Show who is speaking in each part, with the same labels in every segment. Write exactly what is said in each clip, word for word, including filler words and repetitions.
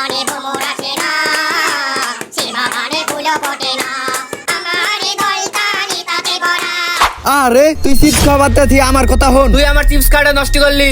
Speaker 1: বনে ভ্রমর আসে না, সে বাগানে ফুলও ফোটে না, আমার হৃদয়টা নিতাতে ভরা।
Speaker 2: আরে তুই চিপস খাওয়া বাদ দে, আমার কথা হন।
Speaker 3: তুই আমার চিপস কার্ডে নষ্ট করলি,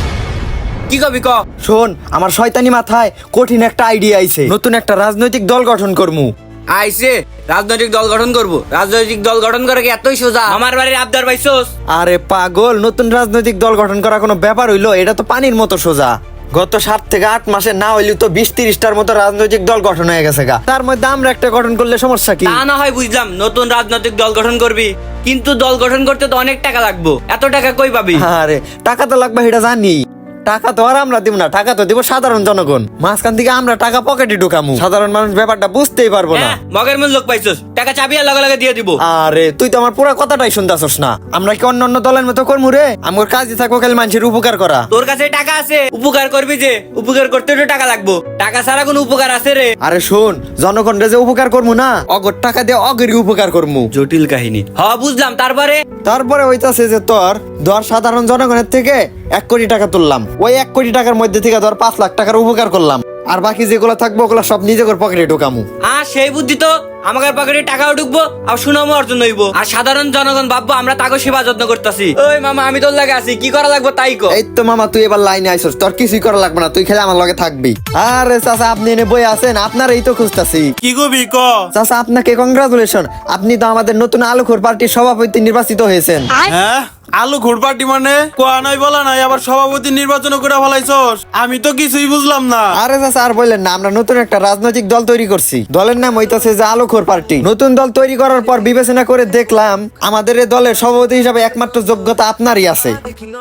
Speaker 3: কি কবি ক?
Speaker 2: শোন, আমার শয়তানি মাথায় কঠিন একটা আইডিয়া আইছে। নতুন একটা রাজনৈতিক দল গঠন করমু।
Speaker 3: আইসে রাজনৈতিক দল গঠন করব? রাজনৈতিক দল গঠন করে কি এতই সোজা? আমার বাড়ির আবদার পাইছস?
Speaker 2: আরে পাগল, নতুন রাজনৈতিক দল গঠন করা কোনো ব্যাপার হইলো? এটা তো পানির মতো সোজা। গত সাত থেকে আট মাসে না হইলেও তো বিশ তিরিশটার মতো রাজনৈতিক দল গঠন হয়ে গেছে গা। তার মধ্যে আমরা একটা গঠন করলে সমস্যা কি?
Speaker 3: তা না হয় বুঝলাম, নতুন রাজনৈতিক দল গঠন করবি, কিন্তু দল গঠন করতে তো অনেক টাকা লাগবে। এত টাকা কই পাবি?
Speaker 2: আরে টাকা তো লাগবে, এটা জানি। টাকা তো আর আমরা দিব না, টাকা তো দিব সাধারণ জনগণ। মাঝখান থেকে আমরা টাকা পকেটে ঢুকামু, সাধারণ মানুষ ব্যাপারটা বুঝতেই পারবো না।
Speaker 3: হ্যাঁ, মগের মূল লোক পাইছস, টাকা চাবি আর লগে লগে দিয়ে দিব।
Speaker 2: আরে তুই তো আমার পুরো কথাটাই শুনতাছস না। আমরা কি অন্য অন্য দলের মতো করমু রে? আমার কাজই থাকবো খালি মানুষের উপকার করা।
Speaker 3: তোর কাছে টাকা আছে, উপকার করবি যে, উপকার করতে তো টাকা লাগবো। টাকা ছাড়া কোনো উপকার আছে রে?
Speaker 2: আরে শোন, জনগণরে যে উপকার করমু না, অগর টাকা দিয়ে অগেরই উপকার করমু।
Speaker 3: জটিল কাহিনী। হ্যাঁ বুঝলাম, তারপরে?
Speaker 2: তারপরে হইতাছে যে তোর ধর সাধারণ জনগণের থেকে এক কোটি টাকা তুললাম, ওই এক কোটি টাকার মধ্যে থেকে ধর পাঁচ লাখ টাকার উপকার করলাম, আর বাকি যেগুলো থাকবো ওগুলো সব নিজের পকেটে ঢুকামু।
Speaker 3: আর সেই বুদ্ধি তো, আমাদের পকেটে টাকাও ঢুকবো আর সুনামও অর্জন হইব, আর সাধারণ জনগণ ভাববো আমরা তাকে সেবা যত্ন করতেছি। ওই মামা, আমি তোর লাগে আছি, কি করা লাগবে তাই কো।
Speaker 2: এই তো মামা, তুই এবার লাইনে আইছস, তোর কিছুই করা লাগবে না, তুই খেলে আমার লগে থাকবি। আরে চাচা, আপনি এনে বই আছেন, আপনার এই তো খুঁজতাছি।
Speaker 4: কি কবি ক?
Speaker 2: চাচা আপনাকে কংগ্রাচুলেশন, আপনি তো আমাদের নতুন আলোখোর পার্টির সভাপতি নির্বাচিত হয়েছেন।
Speaker 4: হ্যাঁ, আলু ঘুরপাটি মানে কোয়া নাই বলা নাই, আবার সভাপতি নির্বাচন করে ফেলাইছস? আমি তো কিছুই বুঝলাম না।
Speaker 2: আরে চাচা আর বললেন না, আমরা নতুন একটা রাজনৈতিক দল তৈরি করছি। দলের নাম হইতাছে যে আলোখোর পার্টি। নতুন দল তৈরি করার পর বিবেচনা করে দেখলাম আমাদের এই দলের সভাপতি হিসাবে একমাত্র যোগ্যতা আপনারই আছে।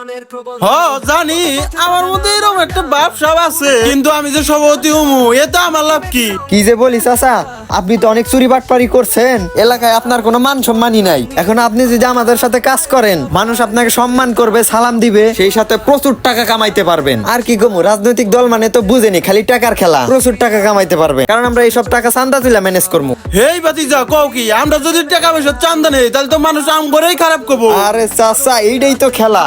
Speaker 4: হ জানি, আমার মধ্যে এরকম একটা ভাবসাব আছে, কিন্তু আমি যে সভাপতি হমু এতে আমার লাভ কি?
Speaker 2: কি যে বলি চাচা, আপনি তো অনেক চুরি বাটপারি করছেন, এলাকায় আপনার কোনো মান সম্মানই নাই। এখন আপনি যদি আমাদের সাথে কাজ করেন, মানুষ আপনাকে সম্মান করবে, সালাম দিবে, সেই সাথে প্রচুর টাকা কামাইতে পারবেন। আর কি গমু, রাজনৈতিক দল মানে তো বুঝেনি খালি টাকার খেলা। প্রচুর টাকা কামাইতে পারবে, কারণ আমরা এইসব টাকা চান্দা তুলে ম্যানেজ করবো।
Speaker 4: হেই বাতিজা, কও কি? আমরা যদি টাকা পয়সা চান্দা নেই তাহলে তো মানুষ আম করেই খারাপ করবো।
Speaker 2: আরে চাচা, এইটাই তো খেলা।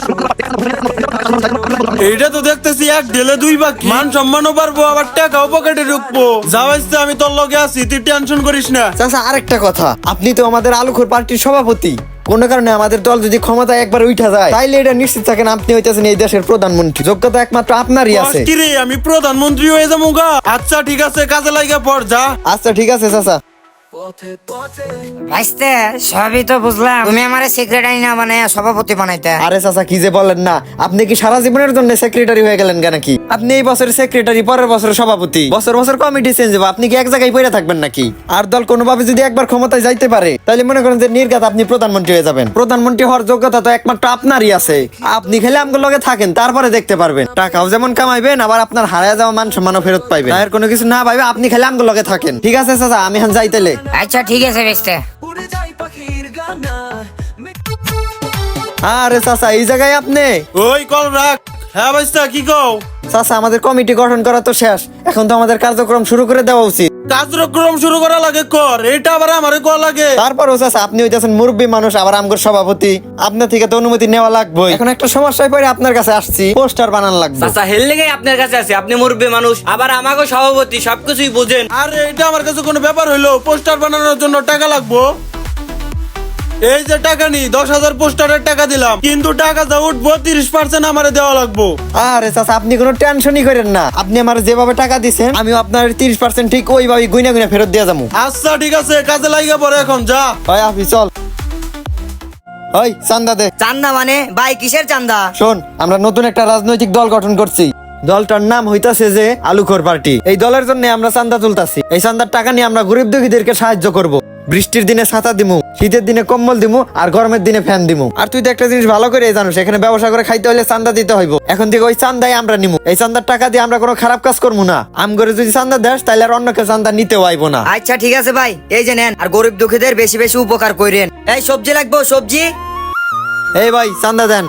Speaker 4: এইটা তো দেখতেছি এক ঢেলে দুই বাকি, মান সম্মানও পারবো, আবার টাকাও পকেটে ঢুকবো। যাওয়াইছে, আমি তোর লগে আছি, তুই টেনশন করিস না।
Speaker 2: চাচা আরেকটা কথা, আপনি তো আমাদের আলোখোর পার্টির সভাপতি। কোন কারণে আমাদের দল যদি ক্ষমতায় একবার উঠা যায়, তাইলে এটা নিশ্চিত থাকেন আপনি হইতেছেন এই দেশের প্রধানমন্ত্রী। যোগ্যতা একমাত্র আপনারই আছে।
Speaker 4: কি রে, আমি প্রধানমন্ত্রী হয়ে যাবো গা? আচ্ছা ঠিক আছে, কাজে লাগা পড় যা।
Speaker 2: আচ্ছা ঠিক আছে চাচা।
Speaker 5: ভাইস্তে, সবই তো বুঝলাম, তুমি আমারে সেক্রেটারি না বানাইয়া সভাপতি বানাইতে।
Speaker 2: আরে চাচা কি যে বলেন না, আপনি কি সারা জীবনের জন্য সেক্রেটারি হয়ে গেলেন কেন? কি আপনি এই বছরের সেক্রেটারি, পরের বছরের সভাপতি, বছর বছর কমিটি চেঞ্জ হবে, আপনি কি এক জায়গায় পড়ে থাকবেন নাকি? আর দল কোনোভাবে যদি একবার ক্ষমতায় যাইতে পারে, তাহলে মনে করেন যে নির্ঘাত আপনি প্রধানমন্ত্রী হয়ে যাবেন। প্রধানমন্ত্রী হওয়ার যোগ্যতা তো একমাত্র আপনারই আছে। আপনি খেলে আমগুলো লগে থাকেন, তারপরে দেখতে পারবেন। টাকাও যেমন কামাইবেন, আবার আপনার হারায় যাওয়া মান সম্মানও ফেরত পাইবেন। আর কোনো কিছু না পাইবে, আপনি খেলে আমগুলো লগে থাকেন। ঠিক আছে চাচা, আমি এখন যাইতেলে।
Speaker 5: আচ্ছা ঠিক আছে ভাইস্তে।
Speaker 2: আরে চাচা, এই জায়গায় আপনি?
Speaker 4: ওই কল রাখ। হ্যাঁ ভাইস্তা, কি কও?
Speaker 2: চাচা আমাদের কমিটি গঠন করা তো শেষ, এখন তো আমাদের কার্যক্রম শুরু করে দেওয়া উচিত।
Speaker 4: কার্যক্রম শুরু করা লাগে কর, এটা আবার আমারে কল লাগে?
Speaker 2: তারপরও চাচা, আপনি হইতেছেন মুরব্বী মানুষ, আবার আমগর সভাপতি, আপনার থেকে তো অনুমতি নেওয়া লাগবে। এখন একটা সমস্যায় পড়ে আপনার কাছে আসছি, পোস্টার বানান লাগবে।
Speaker 3: চাচা হেল লেগে আপনার কাছে আছে, আপনি মুরব্বী মানুষ, আবার আমাকে সভাপতি, সবকিছুই বুঝেন।
Speaker 4: আরে এটা আমার কাছে কোনো ব্যাপার হইলো? পোস্টার বানানোর জন্য টাকা লাগবো। এই যে টাকা নি, দশ হাজার পোস্টারের টাকা দিলাম, কিন্তু টাকা যা উঠবো তিরিশ পার্সেন্ট আমারে দেওয়া লাগবো।
Speaker 2: আরে চাচা, আপনি কোনো টেনশনই করেন না, আপনি আমার যেভাবে টাকা দিচ্ছেন, আমি আপনার তিরিশ পার্সেন্ট ঠিক ওইভাবে গুইনা গুইনা ফেরত দিয়ে যাবো।
Speaker 4: আচ্ছা ঠিক আছে, কাজে লাগিয়ে পড়ে এখন যা।
Speaker 2: ভাই আপনি চল। ওই চান্দা দে।
Speaker 5: চান্দা মানে ভাই, কিসের চান্দা?
Speaker 2: শোন, আমরা নতুন একটা রাজনৈতিক দল গঠন করছি। দলটার নাম হইতাছে যে আলোখোর পার্টি। এই দলের জন্য আমরা চান্দা তুলতাছি। এই চান্দার টাকা নিয়ে আমরা গরিব দুঃখীদেরকে সাহায্য করব। বৃষ্টির দিনে ছাতা দিমু, শীতের দিনে কম্বল দিমু, আর গরমের দিনে ফ্যান দিমু। আর তুই তো একটা জিনিস ভালো করে জানিস, এখানে ব্যবসা করে খাইতে হলে চান্দা দিতে হইব। এখন থেকে ওই চান্দাই আমরা নিমু। এই চান্দার টাকা দিয়ে আমরা কোনো খারাপ কাজ করবো না। আম করে যদি চান্দা দেস, তাহলে আর অন্য কেউ চান্দা নিতেও আইব না।
Speaker 5: আচ্ছা ঠিক আছে ভাই, এই যে নেন, আর গরিব দুঃখীদের বেশি বেশি উপকার করেন। এই সবজি লাগবো, সবজি।
Speaker 2: এই ভাই চান্দা দেন।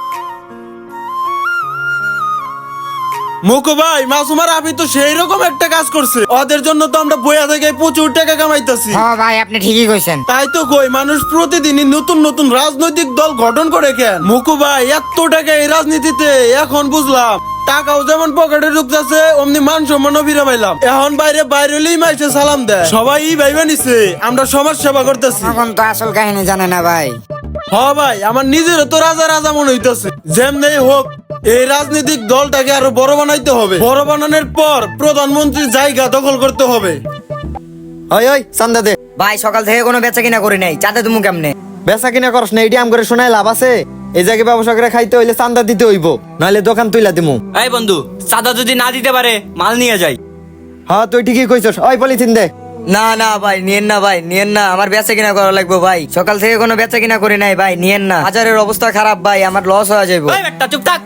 Speaker 4: মুকু ভাই, মাসুমার আপনি তো সেই রকম একটা কাজ করছে, ওদের জন্য তো আমরা বইয়া থেকে প্রচুর টাকা কামাইতেছি।
Speaker 5: হ্যাঁ ভাই, আপনি ঠিকই কইছেন।
Speaker 4: তাই তো কই, মানুষ প্রতিদিনই নতুন নতুন রাজনৈতিক দল গঠন করে কেন? মুকু ভাই, এত টাকা এই রাজনীতিতে এখন বুঝলাম। টাকাও যেমন পকেটে ঢুকতেছে অমনি মান সম্মানও ফিরে পাইলাম। এখন বাইরে বাইরে হলেই মাইসে সালাম দেয়, সবাই ভাইবা নিছে আমরা সমাজ সেবা করতেছি।
Speaker 5: এখন তো আসল কাহিনী জানে না ভাই।
Speaker 4: হ ভাই, আমার নিজের তো রাজা রাজা মনে হইতেছে। যেমনি হোক এই রাজনৈতিক দলটাকে আরো বড় বানাইতে হবে, বড় বানানোর পর প্রধানমন্ত্রীর জায়গা দখল করতে হবে।
Speaker 2: ওই ওই চান্দা দে।
Speaker 5: ভাই সকাল থেকে কোনো বেচা কিনা করি নাই, চাঁদা তুমি কেমনে?
Speaker 2: বেচা কিনা করস না এটি আম করে শোনায় লাভ আছে? এই জায়গায় ব্যবসা করে খাইতে হইলে চান্দা দিতে হইব, নাহলে দোকান তুইলা দিমু।
Speaker 3: এই বন্ধু, চাঁদা যদি না দিতে পারে মাল নিয়ে যাই।
Speaker 2: হ্যাঁ তুই ঠিকই কইছস। ওই পলিথিন দে।
Speaker 5: না না ভাই নিয়েন না, ভাই নিয়েন না, আমার বেচা কিনা করা লাগবে ভাই। সকাল থেকে কোনো বেচা কিনা করি নাই ভাই, নিয়েন না। বাজারের অবস্থা খারাপ ভাই, আমার লস হয়ে যাইব।
Speaker 3: ওই বেটা চুপ থাক।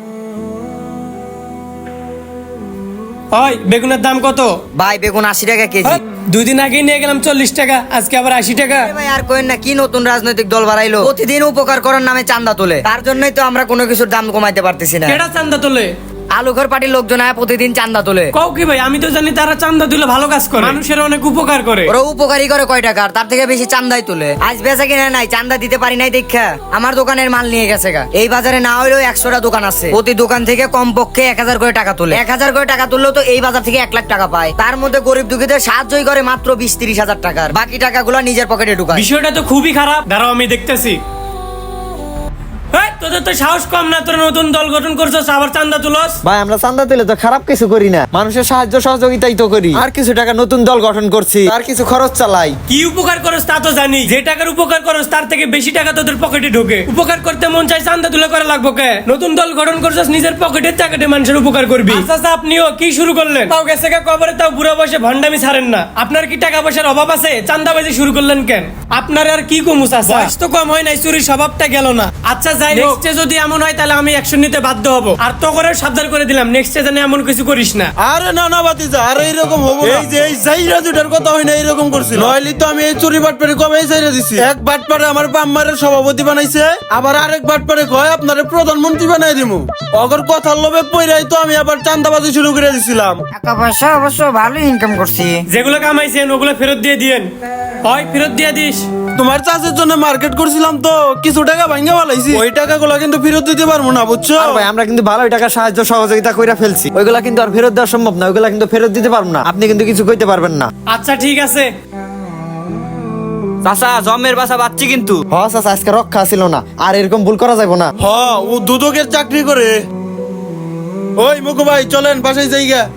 Speaker 6: ওই বেগুনের দাম কত?
Speaker 5: ভাই বেগুন আশি টাকা কেজি।
Speaker 6: হ্যাঁ, দুই দিন আগেই নিয়ে গেলাম চল্লিশ টাকা, আজকে আবার আশি টাকা।
Speaker 5: আরে ভাই আর কোয়েন না, কি নতুন রাজনৈতিক দল বাড়াইলো? প্রতিদিন উপকার করার নামে চান্দা তোলে, তার জন্যই তো আমরা কোনো কিছুর দাম কমাইতে পারতেছি না।
Speaker 6: কেডা চান্দা তোলে?
Speaker 5: আলুঘর পার্টির লোকজন আয়া প্রতিদিন চান্দা তোলে।
Speaker 6: কও কি ভাই? আমি তো জানি তারা চান্দা দিলে ভালো কাজ করে, মানুষের অনেক উপকার করে।
Speaker 5: ওরা উপকারী করে কয় টাকার, তার থেকে বেশি চান্দাই তোলে। আজ বেচা কিনা নাই, চান্দা দিতে পারি নাই দেখা আমার দোকানের মাল নিয়ে গেছে গা। এই বাজারে না হইলেও একশোটা দোকান আছে, প্রতি দোকান থেকে কমপক্ষে এক হাজার করে টাকা তোলে। এক হাজার করে টাকা তুললেও তো এই বাজার থেকে এক লাখ টাকা পায়। তার মধ্যে গরিব দুঃখীদের সাহায্যই করে মাত্র বিশ তিরিশ হাজার টাকার, বাকি টাকাগুলো নিজের পকেটে ঢুকায়।
Speaker 6: বিষয়টা তো খুবই খারাপ, দাঁড়াও আমি দেখতেছি। এই, তোদের তো সাহস কম না, তোরা নতুন দল গঠন করছস আবার চান্দা তুলস?
Speaker 2: ভাই আমরা চান্দা তুলে তো খারাপ কিছু করি না, মানুষের সাহায্য সহযোগিতাই তো করি। আর কিছু টাকা নতুন দল গঠন করছি, আর কিছু খরচ চালাই।
Speaker 6: কি উপকার করস তা তো জানি, যে টাকার উপকার করস তার থেকে বেশি টাকা তোদের পকেটে ঢোকে। উপকার করতে মন চাই, চান্দা তুলে করা লাগবো কে? নতুন দল গঠন করছস, নিজের পকেটের টাকাতে মানুষের উপকার করবি। আচ্ছা আচ্ছা, আপনিও কি শুরু করলেন? তাও গেছে গা কবরে, তাও বুড়া বয়সে ভন্ডামি ছাড়েন না। আপনার কি টাকা পয়সার অভাব আছে? চান্দাবাজি শুরু করলেন কেন? আপনার আর কি কমুস আছে? বয়স তো কম হয় নাই, চুরির স্বভাবটা গেল না। আচ্ছা যাই হোক, নেক্সটে যদি এমন হয় তাহলে আমি অ্যাকশন নিতে বাধ্য হব। আর তো করে সাবধান করে দিলাম, নেক্সটে যেন এমন কিছু করিস না।
Speaker 4: আরে না না বাতিজা, আরে এইরকম হবো না। এই যে এই জাইরা দুটার কথা হয় না, এইরকম করছিল। নইলে তো আমি এই চুরি বাটপারে কবে এই জাইরা দিছি। এক বাটপারে আমার বাম্মারের সভাপতি বানাইছে, আবার আরেক বাটপারে কয় আপনারে প্রধানমন্ত্রী বানাই দিমু। অগর কথার লোভে পইরাই তো আমি আবার চান্দাবাজি শুরু করে দিছিলাম।
Speaker 5: টাকা পয়সা অবশ্য ভালো ইনকাম করছি।
Speaker 6: যেগুলো কামাইছেন ওগুলো ফেরত দিয়ে দিয়েন। হয় ফেরত দিয়ে দিস।
Speaker 4: তোমার চাষের জন্য মার্কেট করছিলাম তো কিছু টাকা ভাঙ্গা ফেলাইছি, ওই টাকাগুলো কিন্তু ফেরত দিতে পারবো না, বুঝছো?
Speaker 2: আর ভাই আমরা কিন্তু ভালোই টাকা সাহায্য সহযোগিতা কইরা ফেলছি, ওইগুলা কিন্তু আর ফেরত দেওয়া সম্ভব না, ওইগুলা কিন্তু ফেরত দিতে পারবো না, আপনি কিন্তু কিছু কইতে পারবেন না।
Speaker 6: আচ্ছা ঠিক আছে।
Speaker 3: চাচা জমের বাসা বাচ্চি কিন্তু।
Speaker 2: হ চাচা, আজকে রক্ষা ছিল না, আর এরকম ভুল করা যাবে না।
Speaker 4: হ, ও দুদকের চাকরি করে। ওই মুকু ভাই চলেন বাসায় যাইগা।